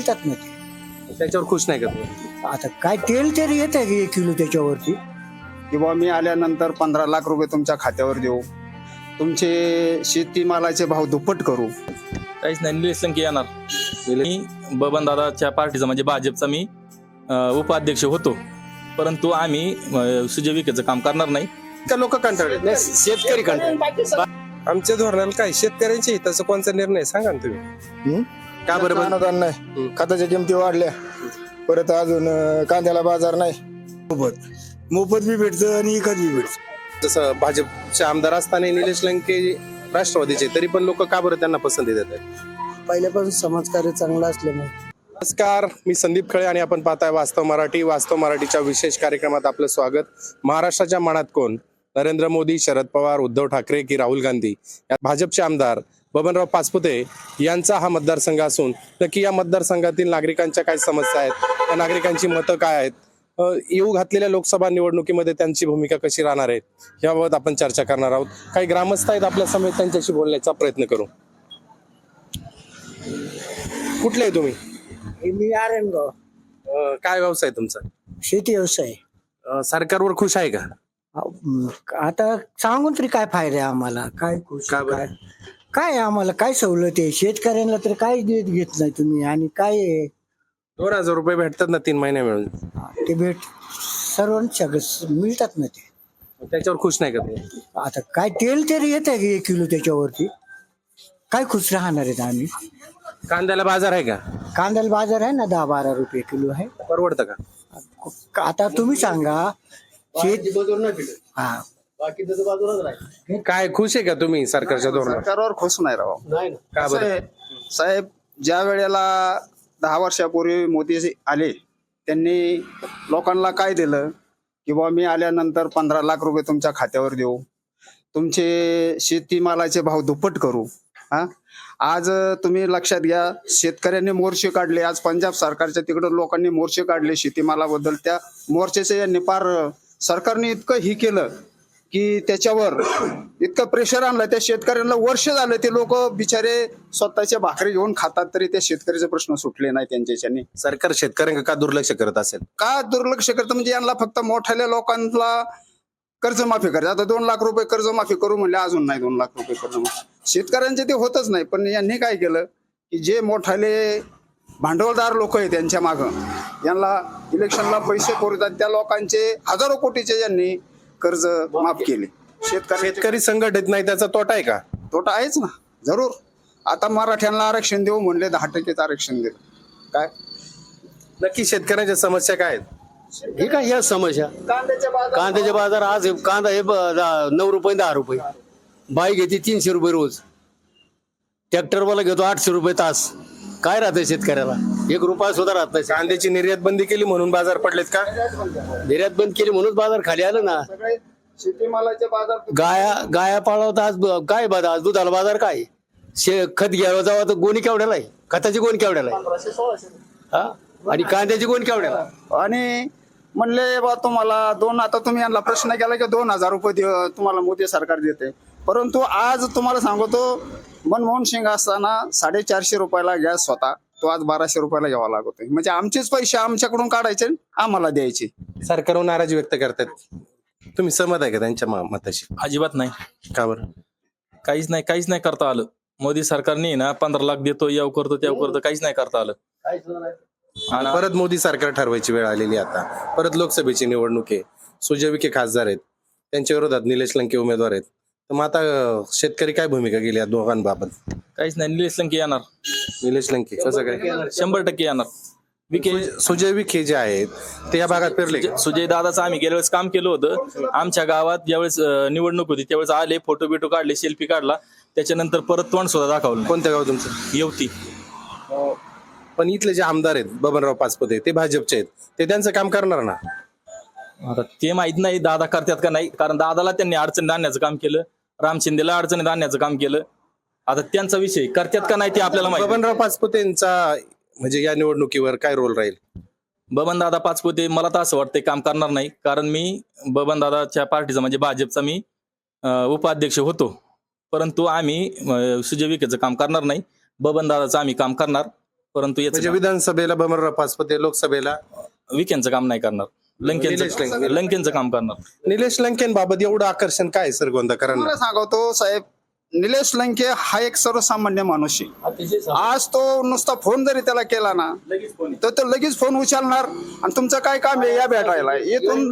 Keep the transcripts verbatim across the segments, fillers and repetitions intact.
मिळतात ना ते. त्याच्यावर खुश नाही का तुम्ही? आता काय तेल तरी येत आहे एक किलो त्याच्यावरती. किंवा मी आल्यानंतर पंधरा लाख रुपये तुमच्या खात्यावर देऊ, तुमचे शेतीमालाचे भाव दुप्पट करू. काहीच नाही, निलेश लंके येणार. मी बबनदादाच्या पार्टीचा म्हणजे भाजपचा मी अं, उपाध्यक्ष होतो, परंतु आम्ही अं, सुजय विखेचं काम करणार नाही. का लोक कंटाळले? शेतकरी कंटाळले. आमच्या धोरणाला काय शेतकऱ्यांच्या हिताचा कोणता निर्णय सांगा ना तुम्ही. का बरोबर? अनुदान नाही, खताच्या किमती वाढल्या, परत अजून अं, कांद्याला बाजार नाही. मोफत मोफत बी भेटतं आणि विकत बी भेटतं. जसं भाजपचे आमदार असताना निलेश लंके राष्ट्रवादीचे, तरी पण लोक का बरं त्यांना पसंती देतात? पहिल्यापासून समाजकार्य चांगलं असल्यामुळे. नमस्कार, मी संदीप खळे आणि आपण पाहताय वास्तव मराठी. वास्तव मराठीच्या विशेष कार्यक्रमात आपलं स्वागत. महाराष्ट्राच्या मनात कोण? नरेंद्र मोदी, शरद पवार, उद्धव ठाकरे की राहुल गांधी? या भाजपचे आमदार बबनराव पाचपुते यांचा हा मतदारसंघ असून नक्की या मतदारसंघातील नागरिकांच्या काय समस्या आहेत, त्या नागरिकांची मतं काय आहेत, अ, येऊ घातलेल्या लोकसभा निवडणुकीमध्ये त्यांची भूमिका कशी राहणार आहे, याबाबत आपण चर्चा करणार आहोत. काही ग्रामस्थ आहेत आपल्या समेत, त्यांच्याशी बोलण्याचा प्रयत्न करू. कुठले आहे तुम्ही? मी आरणगाव. अ, काय व्यवसाय तुमचा? शेती व्यवसाय. अ, सरकारवर खुश आहे का? अं, आता सांगून तरी काय फायदा आहे आम्हाला? काय खुश का बरं? काय काय आम्हाला काय सवलत आहे? शेतकऱ्यांना तर काय देत घेत नाही तुम्ही. आणि काय आहे? दोन हजार रुपये भेटतात ना तीन महिने मिळून, ते भेट सर्वांच्या मिळतात ना ते. त्याच्यावर खुश नाही का तुम्ही? आता काय तेल तरी येत आहे एक किलो त्याच्यावरती. काय खुश राहणार आहेत आम्ही? कांद्याला बाजार आहे का? कांद्याला बाजार आहे ना, दहा बारा रुपये किलो आहे. परवडतं का? आता तुम्ही सांगा. शेत हा काय खुश आहे का तुम्ही सरकारच्या धोरणावर? सरकारवर खुश नाही राव. का कसं बरं? आहे, साहेब, ज्या वेळेला दहा वर्षापूर्वी मोदी आले, त्यांनी लोकांना काय दिलं की बुवा मी आल्यानंतर पंधरा लाख रुपये तुमच्या खात्यावर देऊ, तुमचे शेतीमालाचे भाव दुप्पट करू. हा आज तुम्ही लक्षात घ्या, शेतकऱ्यांनी मोर्चे काढले. आज पंजाब सरकारच्या तिकडं लोकांनी मोर्चे काढले शेतीमालाबद्दल. त्या मोर्चेचे यांनी पार सरकारने इतकं ही केलं की त्याच्यावर इतकं प्रेशर आणलं त्या शेतकऱ्यांना. वर्ष झालं ते लोक बिचारे स्वतःच्या भाकरी घेऊन खातात, तरी त्या शेतकऱ्याचे प्रश्न सुटले नाही त्यांच्याच्याने. सरकार शेतकऱ्यांना का दुर्लक्ष करत असेल? का दुर्लक्ष करतं म्हणजे यांना फक्त मोठ्या लोकांना कर्जमाफी करायचं. आता दोन लाख रुपये कर्जमाफी करू म्हणले, अजून नाही दोन लाख रुपये कर्जमाफी. शेतकऱ्यांचे ते होतच नाही. पण यांनी काय केलं की जे मोठाले भांडवलदार लोक आहेत त्यांच्या मागं, यांना इलेक्शनला पैसे पुरतात त्या लोकांचे हजारो कोटीचे यांनी कर्ज माफ केले. शेतकरी शेतकरी संघटित नाही, त्याचा तोटा आहे का? तोटा आहेच ना, जरूर. आता मराठ्यांना आरक्षण देऊ म्हणले, दहा टक्केच आरक्षण दिलं. काय नक्की शेतकऱ्यांच्या समस्या काय आहेत? हे काय या समस्या? कांद्याचे बाजार आज कांदा हे ब- दहा- नऊ रुपये दहा रुपये, बाई घेते तीनशे रुपये रोज, ट्रॅक्टरवाला घेतो आठशे रुपये तास. काय राहतंय शेतकऱ्याला? एक रुपया सुद्धा राहत नाही. कांद्याची निर्यात बंदी केली म्हणून बाजार पडलेत का? निर्यात बंद केली म्हणून बाजार खाली आलं ना. सगळे शेतीमालाचे बाजार गाया गाया पाळवता आज ब- काय बाजार? आज दुधाला बाजार काय? शे खत घ्यावं जावं तर गोणी केवढ्याला आहे? खताची गोणी केवढ्याला आहे? हा, आणि कांद्याची गोणी केवढ्याला? आणि म्हणले बा तुम्हाला दोन, आता तुम्ही यांना प्रश्न केला की दोन हजार रुपये दे- तुम्हाला मोदी सरकार देते. परंतु आज तुम्हाला सांगतो, मनमोहन सिंग असताना साडेचारशे रुपयाला गॅस होता, तो आज बाराशे रुपयाला घ्यावा लागतोय. म्हणजे आमचेच पैसे आमच्याकडून काढायचे, आम्हाला द्यायचे. सरकारवर नाराजी व्यक्त करतात. तुम्ही सहमत आहे का त्यांच्या म- मताशी? अजिबात नाही, का बरं? काहीच नाही, काहीच नाही करता आलं. मोदी सरकारने ना पंधरा लाख देतो, याव करतो त्याव करतो, काहीच नाही करता आलं. आणि परत मोदी सरकार ठरवायची वेळ आलेली आता. परत लोकसभेची निवडणूक आहे, सुजय विखे खासदार आहेत, त्यांच्या विरोधात निलेश लंके उमेदवार आहेत. तर मग आता अं, शेतकरी काय भूमिका गेली या दोघांबाबत? काहीच नाही, निलेश लंके येणार. निलेश लंके कसं काय? शंभर टक्के येणार. विखे सुजय विखे जे आहेत ते या भागात फिरले का? सुजय दादाचं आम्ही गेल्या वेळेस काम केलं होतं. आमच्या गावात ज्यावेळेस अं, निवडणूक होती त्यावेळेस आले, फोटो बिटो काढले, सेल्फी काढला, त्याच्यानंतर परत तोंड सुद्धा दाखवलं नाही. कोणत्या गाव तुमचं? येवती. पण इथले जे आमदार आहेत बबनराव पाचपुते, ते भाजपचे आहेत, ते त्यांचं काम करणार ना? आता ते माहित नाही दादा करतात का नाही, कारण दादाला त्यांनी अडचणीत आणण्याचं काम केलं, राम शिंदेला अडचणीत आणण्याचं काम केलं. आता त्यांचा विषय करतात का नाही ते आपल्याला माहिती. बबनराव पाचपुतेंचा म्हणजे या निवडणुकीवर काय रोल राहील? बबन दादा पाचपुते मला तर असं वाटतंय काम करणार नाही, कारण मी बबन दादाच्या पार्टीचा म्हणजे भाजपचा मी अं, उपाध्यक्ष होतो, परंतु आम्ही अं, सुजय विखेचं काम करणार नाही. बबन दादाचं आम्ही काम करणार, परंतु म्हणजे याचं विधानसभेला बमनराव पाचपुते, लोकसभेला विखेंचं काम नाही करणार. निलेश लंकेंचं लंके. लंकेंचं काम करणार. निलेश लंकेंबाबत एवढं आकर्षण काय श्रीगोंदाकरांना? मला सांगतो साहेब, निलेश लंके हा एक सर्वसामान्य माणूस आहे. आज तो नुसता फोन जरी त्याला केला ना तर तो लगेच फोन उचलणार आणि तुमचं काय काम आहे या भेटायला. इथून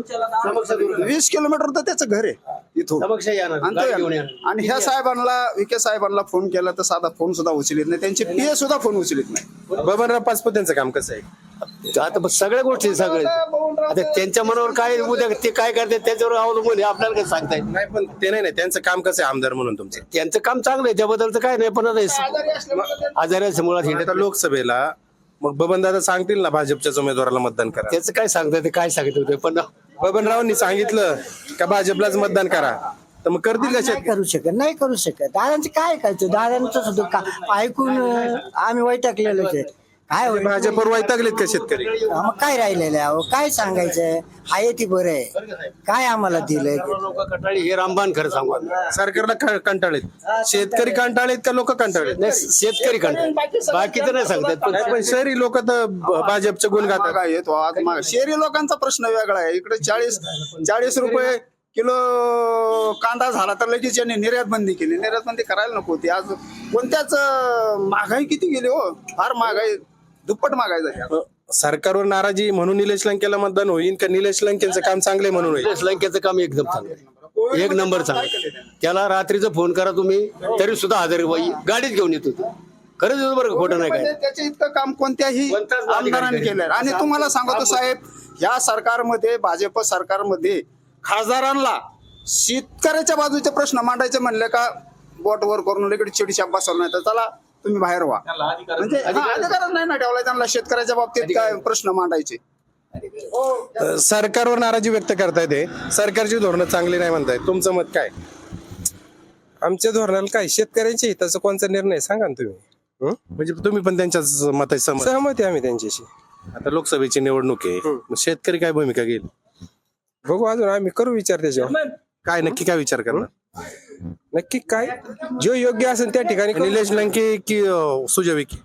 वीस किलोमीटर तर त्याचं घर आहे इथून. समक्ष येणार, आणि तो गाडी घेऊन येणार. येणार. आणि ह्या साहेबांना, विखे साहेबांना फोन केला तर साधा फोन सुद्धा उचलित नाही. त्यांचे पीए सुद्धा फोन उचलित नाही. बबनराव पाचपुतेंचं काम कसं आहे? आता बस सगळ्या गोष्टी सगळे आता त्यांच्या मनावर काय उद्या ते काय करते त्याच्यावर अवलंबून आहे. आपल्याला काय सांगता येत नाही. नाही पण ते नाही नाही त्यांचं काम कसं आहे आमदार म्हणून तुमचं? त्यांचं काम चांगलं आहे, त्याबद्दल तर काय नाही. पण आता हे आजारी मुळात आता हिंडत लोकसभेला मग बबनदादा सांगतील ना भाजपच्याच उमेदवाराला मतदान करा. त्याचं काय सांगता ते काय सांगत होते. पण बबनरावांनी सांगितलं का भाजपलाच मतदान करा तर मग करतील का नाही शेतकरी? करू शकत, नाही करू शकत. दादांचं काय करायचं? दादांचं सुद्धा का ऐकून अं, आम्ही वैतागलेलोच आहे. काय होईल? भाजपवर वैतागलेत का शेतकरी? मग काय राहिलेलं आहे अहो? काय सांगायचं? आहे ती बरं आहे. काय आम्हाला दिलंय? लोक कटाळी हे रामबाण खरं सांगू आम्ही. सरकारला क- कंटाळेत, शेतकरी कंटाळेत का लोक कंटाळेत? नाही शेतकरी कंटाळ बाकीचं नाही सांगतात. पण नाही पण शहरी लोक तर ब- भाजपचे गुण गातात. महागाई येतो आज महाग. शहरी लोकांचा प्रश्न वेगळा आहे. इकडे चाळीस चाळीस रुपये किलो कांदा झाला तर लगेच यांनी निर्यात बंदी केली. निर्यात बंदी करायला नको होती. आज कोणत्याच अं, महागाई किती गेली हो, फार महागाई, दुप्पट महागाई झाली. सरकारवर नाराजी म्हणून निलेश लंकेला मतदान होईल का निलेश लंकेचं काम चांगले म्हणून होईल? निलेश लंकेचं काम एकदम चांगलं आहे. एक नंबर चांगलं. त्याला रात्रीचं फोन करा तुम्ही तरी सुद्धा हजर बाई गाडीत घेऊन येतो तो. खरंच येतो बरं का, खोटं नाही म्हणजे काय. त्याचे इतकं काम कोणत्याही कोणताच आमदारांनी केलं. आणि तुम्हाला सांगतो साहेब, या सरकारमध्ये, भाजप सरकारमध्ये खासदारांना शेतकऱ्याच्या बाजूचे प्रश्न मांडायचे म्हणले का बोट वर करून इकडे चिडीशाप बसवलं नाही तर चला तुम्ही बाहेर व्हा. म्हणजे हा, अधिकारच नाही ना ठेवलाय त्यांना शेतकऱ्याच्या बाबतीत काय प्रश्न मांडायचे. अ, सरकारवर नाराजी व्यक्त करतायत हे. सरकारची धोरणं चांगली नाही म्हणतायत. तुमचं मत काय? आमच्या धोरणाला काय शेतकऱ्यांच्या हिताचा कोणता निर्णय सांगा ना तुम्ही? हं? म्हणजे तुम्ही पण त्यांच्याच मताची सहमत? सहमत आहे आम्ही त्यांच्याशी. आता लोकसभेची निवडणूक आहे, मग शेतकरी काय भूमिका घेईल? बघू अजून आम्ही करू विचार त्याच्यावर. काय नक्की काय विचार करणार? नक्की काय जो योग्य असेल त्या ठिकाणी करू. निलेश लंके की अ, सुजय विखे?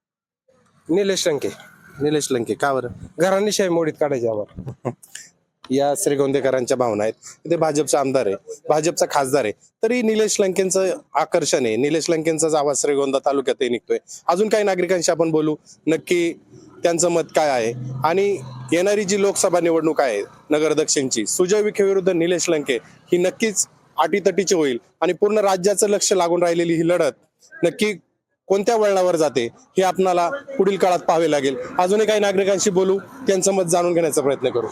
निलेश लंके निलेश लंके का बरं? घराणेशाही मोडीत काढायचे आम्हाला. या श्रीगोंदेकरांच्या भावना आहेत. ते भाजपचा आमदार आहे, भाजपचा खासदार आहे, तरी निलेश लंकेंचं आकर्षण आहे. निलेश लंकेंचाच आवाज श्रीगोंदा तालुक्यातही निघतोय. अजून काही नागरिकांशी आपण बोलू, नक्की त्यांचं मत काय आहे. आणि येणारी जी लोकसभा निवडणूक आहे नगर दक्षिणची, सुजय विखे विरुद्ध निलेश लंके, ही नक्कीच अटीतटीची होईल आणि पूर्ण राज्याचं लक्ष लागून राहिलेली ही लढत नक्की कोणत्या वळणावर जाते हे आपणाला पुढील काळात पाहावे लागेल. अजूनही काही नागरिकांशी बोलू, त्यांचं मत जाणून घेण्याचा प्रयत्न करू.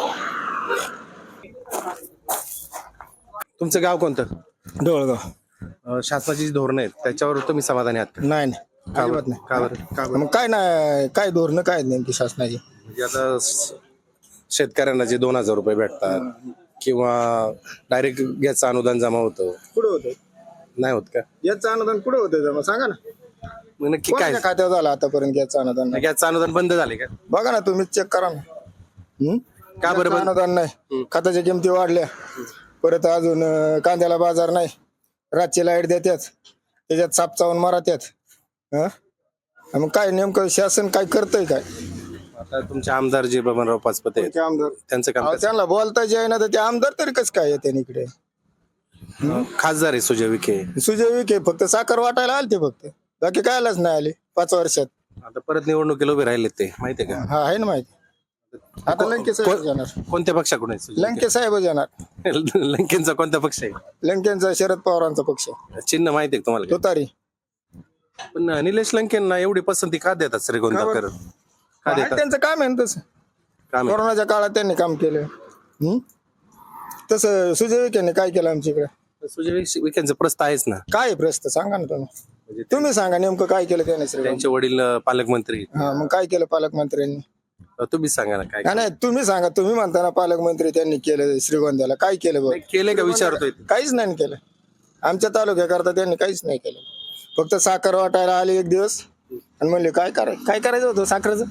तुमचं गाव कोणतं? डोळगाव. अं, शासनाची जी धोरणं आहेत त्याच्यावर तुम्ही समाधानी आहात का? नाही नाही का अजिबात बरं? नाही. का बरं? का बरं? मग काय नाही, काय धोरणं काय आहेत नेमकी शासनाची? म्हणजे आता स- शेतकऱ्यांना जे दोन हजार रुपये भेटतात किंवा डायरेक्ट गॅसचं अनुदान जमा होतं, कुठं होतं नाही होत का? याचं अनुदान? कुठं होतं जमा सांगा ना. मग नक्की काय? कोणाच्या खात्यावर झालं आतापर्यंत याचं अनुदान नाही? गॅसचं अनुदान बंद झाले का? बघा ना तुम्ही, चेक करा ना. हं? का बरं याचं बंद? अनुदान नाही, खताच्या किमती वाढल्या, परत अजून अं, कांद्याला बाजार नाही, रातची लाईट देतात, त्याच्यात साप चावून मारतात. हं? मग काय नेमकं शासन काय करतंय काय? आता तुमचे आमदार जे बबनराव पाचपुते आहेत, ते आमदार त्यांचं काम अहो, कसं? त्यांना बोलता जे आहे ना तर ते आमदार तरी कसं काय येते इकडे? खासदार आहे सुजय विखे. सुजय विखे फक्त साखर वाटायला आले ते, फक्त बाकी कायलाच नाही आले पाच वर्षात. आता परत निवडणुकीला उभे राहिले ते, माहितीये का? हा आहे ना माहिती. आता लंके साहेब येणार, कोणत्या पक्षाकडून आहे सुजय लंके साहेब येणार. विखे? लंकेंचा कोणता पक्ष आहे? लंकेंचा शरद पवारांचा पक्ष चिन्ह माहितीये का तुम्हाला? तुतारी. पण निलेश लंकेंना एवढी पसंती का देतात श्रीगोंदाकर? का आहे देतात? त्यांचं काम आहे ना तसं. काम आहे. कोरोनाच्या काळात त्यांनी काम केलं. हं? तसं सुजय विखेने काय केलं आमच्या इकडे? सुजय विखे- विखेंचं प्रस्ताव आहेच ना. काय आहे प्रश्न सांगा ना तुम्ही. म्हणजे तुम्ही सांगा नेमकं काय केलं त्याने श्रीराम? त्यांचे वडील अं, पालकमंत्री. हा मग काय केलं पालकमंत्र्यांनी? अं, तुम्हीच सांगा ना काय नाही नाही, तुम्ही सांगा. तुम्ही म्हणता ना पालकमंत्री त्यांनी केलं श्रीगोंद्याला, काय केलं बघ? केले का विचारतोय? काहीच नाही केलं. आमच्या तालुक्याकरता त्यांनी काहीच नाही केलं. फक्त साखर वाटायला आले एक दिवस आणि म्हणले काय कराय काय करायचं होतं साखरेचं,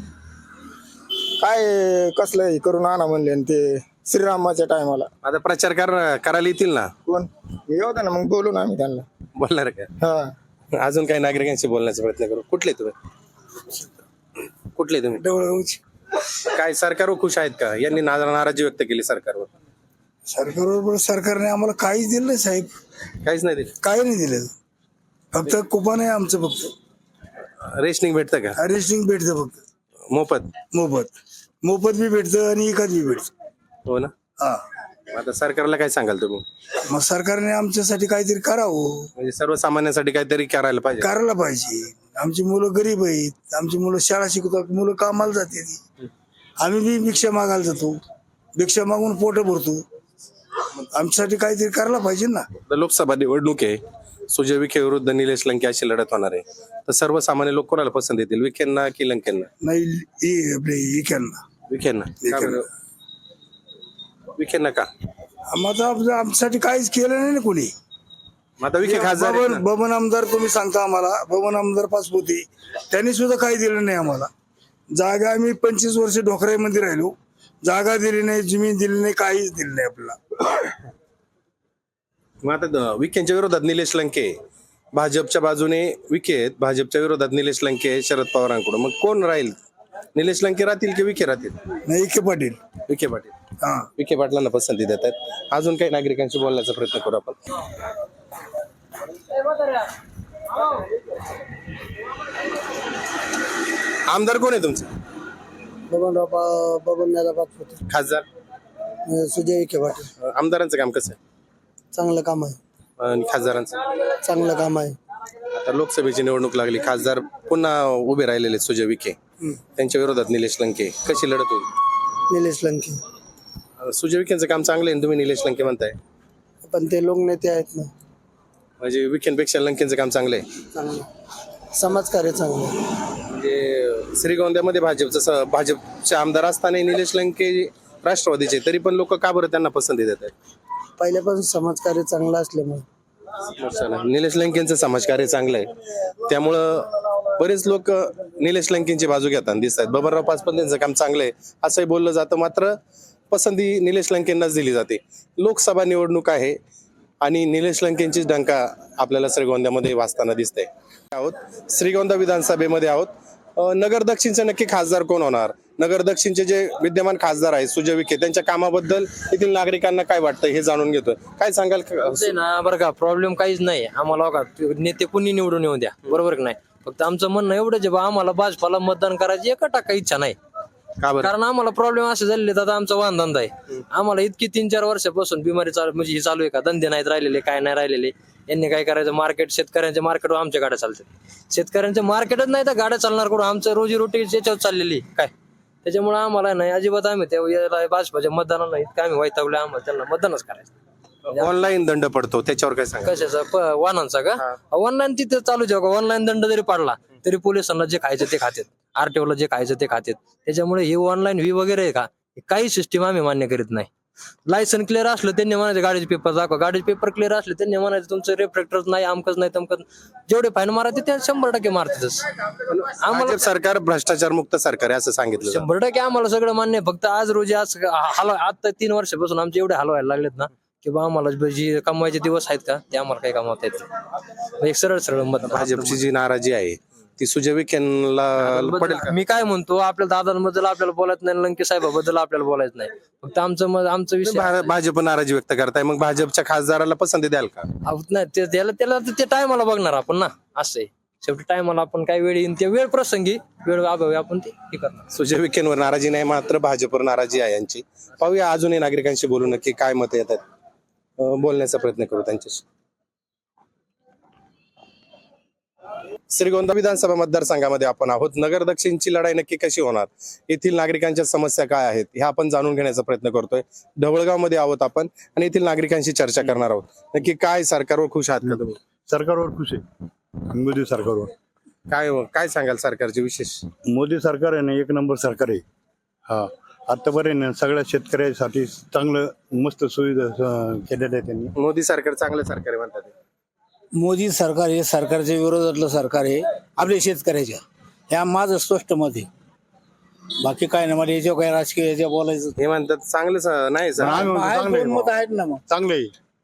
काय कसलं हे करून आणा म्हणले. आणि ते श्रीरामाच्या टायमाला आता प्रचार कर- करायला येतील ना? कोण येऊ दे ना, मग बोलू ना आम्ही त्यांना. बोलणार का? हा अजून काही नागरिकांशी बोलण्याचा प्रयत्न करू. कुठले तुम्ही? कुठले तुम्ही डवळगावची. काय सरकारवर खुश आहेत का? यांनी ना- नाराजी व्यक्त केली सरकारवर. सरकारबरोबर सरकारने आम्हाला काहीच दिलं नाही साहेब, काहीच नाही दिलं. काही नाही दिलं. फक्त कुपन आहे आमचं, फक्त रेशनिंग भेटतं का रेशनिंग भेटतं, फक्त मोफत? मोफत मोफत बी भेटतं आणि एकाच बी भेटतं. हो ना. हा, आता सरकारला काय सांगाल तुम्ही? मग सरकारने आमच्यासाठी काहीतरी करावं, म्हणजे सर्वसामान्यांसाठी काहीतरी करायला पाहिजे. करायला पाहिजे. आमची मुलं गरीब आहेत, आमची मुलं शाळा शिकतात, मुलं कामाला जाते, आम्ही बी भिक्षा मागायला जातो, भिक्षा मागून पोट भरतो. आमच्यासाठी काहीतरी करायला पाहिजे ना. आता लोकसभा निवडणूक आहे, सुजय विखे विरुद्ध निलेश लंके अशी लढत होणार आहे. तर सर्वसामान्य लोक कोणाला पसंत येतील, विखेंना की लंकेंना? नाही, इ- आपले इक्यांना विखेंना. का बरं? विखेंना का? आम्हाला आमचं- आमच्यासाठी काहीच केलं नाही ना कोणी. मग आता विखे खासदार आहेत बबन ना. बबन आमदार तुम्ही सांगता आम्हाला, बबन आमदार पास होते, त्यांनी सुद्धा काही दिलं नाही आम्हाला. जागा आम्ही पंचवीस वर्ष ढोकराईमध्ये राहिलो, जागा दिली नाही, जमीन दिली नाही, काहीच दिलं नाही आपल्याला. मग आता द- विखेंच्या विरोधात निलेश लंके, भाजपच्या बाजूने विखे आहेत, भाजपच्या विरोधात निलेश लंके आहे शरद पवारांकडून. मग कोण राहील? निलेश लंके राहतील की विखे राहतील? नाही, इके पाटील. विखे पाटील. हा, विखे पाटलांना पसंती देत आहेत. अजून काही नागरिकांशी बोलण्याचा प्रयत्न करू आपण. आमदार कोण आहे तुमचे? बबनराव बबन दादा पाचपुते, खासदार? सुजय विखे पाटील. आमदारांचं काम कसं आहे चांगलं काम आहे, आणि खासदारांचं? चांगलं काम आहे. आता लोकसभेची निवडणूक लागली, खासदार पुन्हा उभे राहिलेले सुजय विखे, त्यांच्या विरोधात निलेश लंके. कशी लढत होईल? निलेश लंके. सुजय विखेंचं काम चांगलं आहे, तुम्ही निलेश लंके म्हणताय. पण ते लोक नेते आहेत ना, म्हणजे विखेंपेक्षा लंकेंचं काम चांगलं आहे. चांगलं समाजकार्य चांगलं. म्हणजे श्रीगोंद्यामध्ये भाजपचं स- भाजपचे आमदार असताना निलेश लंके राष्ट्रवादीचे, तरी पण लोक का बरं त्यांना पसंती देत आहेत? पहिल्यापासून समाजकार्य चांगलं असल्यामुळे. निलेश लंकेंचं समाजकार्य चांगलं आहे, त्यामुळं बरेच लोक निलेश लंकेंची बाजू घेताना दिसत आहेत. बबनराव पाचपुते यांचं काम चांगलं आहे असंही बोललं जातं, मात्र पसंती निलेश लंकेंनाच दिली जाते. लोकसभा निवडणूक आहे आणि निलेश लंकेंचीच डंका आपल्याला श्रीगोंद्यामध्ये वाजताना दिसते. आहोत श्रीगोंदा विधानसभेमध्ये आहोत. अं, नगर दक्षिणचे नक्की खासदार कोण होणार? नगर दक्षिणचे जे विद्यमान खासदार आहेत सुजय विखे, त्यांच्या कामाबद्दल येथील नागरिकांना काय वाटतं हे जाणून घेतोय. काय सांगाल? ते ना बरं का, प्रॉब्लेम काहीच नाही आम्हाला. बघा, नेते कुणी निवडून येऊ द्या, बरोबर की नाही. फक्त आमचं म्हणणं एवढंच आहे बा, आम्हाला भाजपाला मतदान करायची एका टाका इच्छा नाही. का बरं? कारण आम्हाला प्रॉब्लेम असे झालेले, आता आमचा वाहन धंदा आहे. आम्हाला इतकी तीन चार वर्षापासून बिमारी चालू, म्हणजे हे चालू आहे का, धंदे नाहीत राहिलेले, काय नाही राहिलेले. यांनी काय करायचं, मार्केट, शेतकऱ्यांच्या मार्केटवर आमच्या गाड्या चालतात. शेतकऱ्यांच्या मार्केटच नाही तर गाड्या चालणार करून, आमचं रोजीरोटी याच्यावर चाललेली काय. त्याच्यामुळे आम्हाला नाही अजिबात, आम्ही त्या भाजपाच्या मतदानाला इतकं आम्ही वैतागलो, आम्हाला त्यांना मतदानच करायचं. ऑनलाईन दंड पडतो, त्याच्यावर काय सांगा? कशाचा? प- वाहनांचा का? ऑनलाईन तिथे चालू जेव्हा ऑनलाईन दंड जरी पडला तरी पोलिसांना जे खायचं ते खातात, आरटीओला जे खायचं ते खातात. त्याच्यामुळे हे ऑनलाईन व्ही वगैरे आहे का, काही सिस्टीम आम्ही मान्य करीत नाही. लायसन क्लिअर असलं त्यांनी म्हणायचं गाडीचे पेपर दाखवा, गाडीचे पेपर क्लिअर असले त्यांनी म्हणायचं तुमचं रेफ्लेक्टर नाही, अमकच नाही, तमकच. जेवढे फाईन मारायचे ते शंभर टक्के मारतातच. आम्हाला भाजप सरकार भ्रष्टाचार मुक्त सरकार आहे असं सांगितलं जातं. शंभर टक्के आम्हाला सगळं मान्य आहे. फक्त आज रोजी आज हलवा, आता तीन वर्षापासून आमचे एवढे हलवायला लागलेत ना की बा, आम्हाला जे कमवायचे दिवस आहेत का ते आम्हाला काही कमावता येत नाही. एक सरळ सरळ मत. भाजपची जी नाराजी आहे ती सुजय विखेंना पडेल का? मी काय म्हणतो, आपल्या दादांबद्दल आपल्याला बोलायचं नाही, लंके साहेबाबद्दल आपल्याला बोलायचं नाही. फक्त आमचं मत, आमचा विषय भा- भाजप नाराजी व्यक्त करताय, मग भाजपच्या खासदाराला पसंती द्याल का? आहोत नाही. ते- त्याला त्याला ते टायमाला बघणार आपण ना, असं आहे. शेवटी टायमाला आपण काय वेळ येईन, त्या वेळ प्रसंगी वेळ अभावी आपण ते हे करणार. सुजय विखेंवर नाराजी नाही, मात्र भाजपवर नाराजी आहे यांची. पाहूया अजूनही नागरिकांशी बोलू नक्की काय मत येतात. अं, बोलण्याचा प्रयत्न करू त्यांच्याशी. श्रीगोंदा विधानसभा मतदारसंघामध्ये आपण आहोत. नगर दक्षिणची लढाई नक्की कशी होणार, येथील नागरिकांच्या समस्या काय आहेत हे आपण जाणून घेण्याचा प्रयत्न करतोय. ढवळगाव मध्ये आहोत आपण आणि येथील नागरिकांशी चर्चा करणार आहोत. नक्की काय सरकारवर खुश आहात का तुम्ही? सरकारवर खुश आहे, मोदी सरकारवर. काय काय सांगाल सरकारचे विशेष? मोदी सरकार आहे ना, एक नंबर सरकार आहे. हा, आतापर्यंत सगळ्या शेतकऱ्यासाठी चांगलं मस्त सुविधा अं, केलेल्या आहे त्यांनी. मोदी सरकार चांगलं सरकार आहे म्हणतात. मोदी सरकार हे सरकारच्या विरोधातलं सरकार आहे आपल्या शेतकऱ्याच्या, ह्या माझं स्पष्ट मत आहे. बाकी काय नाही, मला याच्यावर काय राजकीय याच्या बोलायचं हे म्हणतात चांगलं स- नाही सर. आम्ही म्हणतो आहे, चांगलं दोन मत आहे, आहेत ना. मग चांगलं आहे.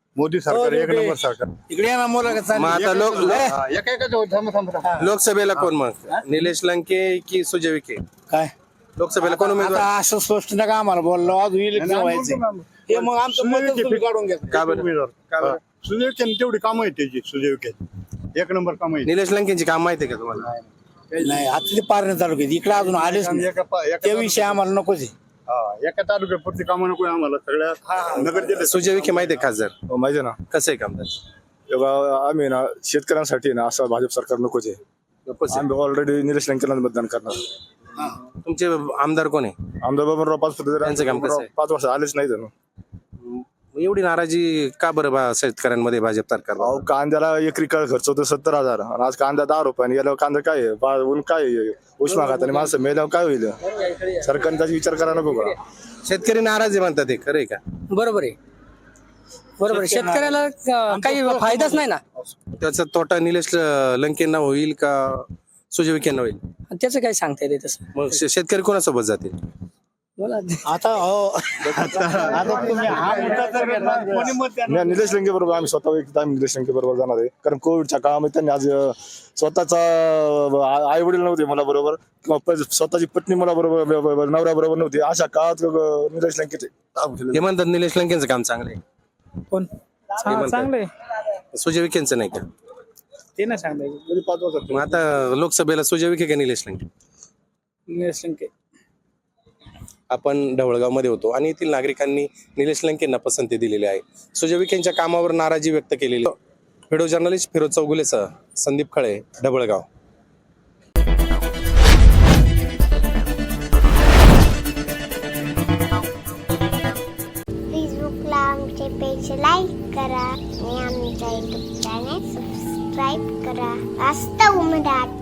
मोदी सरकार एक नंबर सरकार इकडे या ना मुलाखत मग चालली. आता लोक हा, एका एकाच थांबा थांबा थांबा. लोकसभेला कोण मग निलेश लंके की सुजय विखे काय लोकसभेला कोण उमेदवार आता असं स्पष्ट नका आम्हाला बोललो आज इलेक्शन नाही, व्हायचं नाही, हे मग आमचं मत तुम्ही काढून घ्या. का बरं उमेदवार. का बरं? हा. सुजय विखे तेवढी कामं आहेत त्याची सुजय विखे एक नंबर कामं आहेत निलेश लंकेंची काम माहिती आहे का तुम्हाला नाही आता ते पारणे तालुक्यात इकडे अजून आलेच नाही एका पा- एका त्या विषय आम्हाला नकोच आहे. हा, एका तालुक्यापुरती कामं नको आम्हाला सगळ्या नगर जिल्ह्यात सुजय विखे माहिती आहे खासदार माहिती ना कसं आहे कामदार तेव्हा आम्ही ना शेतकऱ्यांसाठी ना असं भाजप सरकार नकोच आहे. आम्ही ऑलरेडी निलेश लंकेला मतदान करणार. तुमचे आमदार कोण आहे आमदार बाबूराव पाचपुते त्यांचं काम कसं आहे? पाच वर्ष आलेच नाही ना. एवढी नाराजी का बरं बा शेतकऱ्यांमध्ये भाजप सरकार अहो कांद्याला एकरी काळ खर्च होतो सत्तर हजार आणि आज कांदा दहा रुपयाने गेल्यावर कांदा काय आहे? बा- ऊन काय आहे? उष्मा खाताने माणसं मेल्यावर काय होईल सरकारने त्याचा विचार करायला नको का? शेतकरी नाराज आहे म्हणतात ते खरंय का बरोबर आहे बरोबर आहे शेतकऱ्याला अं, काही फायदाच नाही ना त्याचा तोटा निलेश लंकेंना होईल का सुजय विखेंना होईल त्याचं काही सांगता येते तसं मग शे- शेतकरी कोणासोबत जातील बोला आता हो आता तुम्ही हा मुद्दा जर घेतला, कोणी मत देणार? नाही, निलेश लंके बरोबर आम्ही स्वतः व्यक्ती आम्ही निलेश लंके बरोबर जाणार आहे. कारण कोविडच्या काळामध्ये त्यांनी आज अं, स्वतःचा आई वडील नव्हते मला बरोबर किंवा प- स्वतःची पत्नी मला बरोबर नवऱ्या बरोबर नव्हती अशा काळात अं, निलेश लंकेचे हे म्हणतात निलेश लंकेंचं काम चांगलं आहे कोण हे म्हणतात. सुजय विखेंचं नाही का ते नाही सांगता पाच वर्ष मग आता लोकसभेला सुजय विखे का निलेश लंके येत आपण ढवळगावमध्ये होतो आणि येथील नागरिकांनी निलेश लंकेंना पसंती दिलेली आहे. सुजय विखेंच्या कामावर नाराजी व्यक्त केलेली. व्हिडिओ जर्नलिस्ट फिरोज चौगुलेसह संदीप खळे, ढवळगाव. फेसबुकला आमचे पेज लाईक करा आणि आमच्या युट्यूब चॅनेल सबस्क्राईब करा. वास्तव मराठी.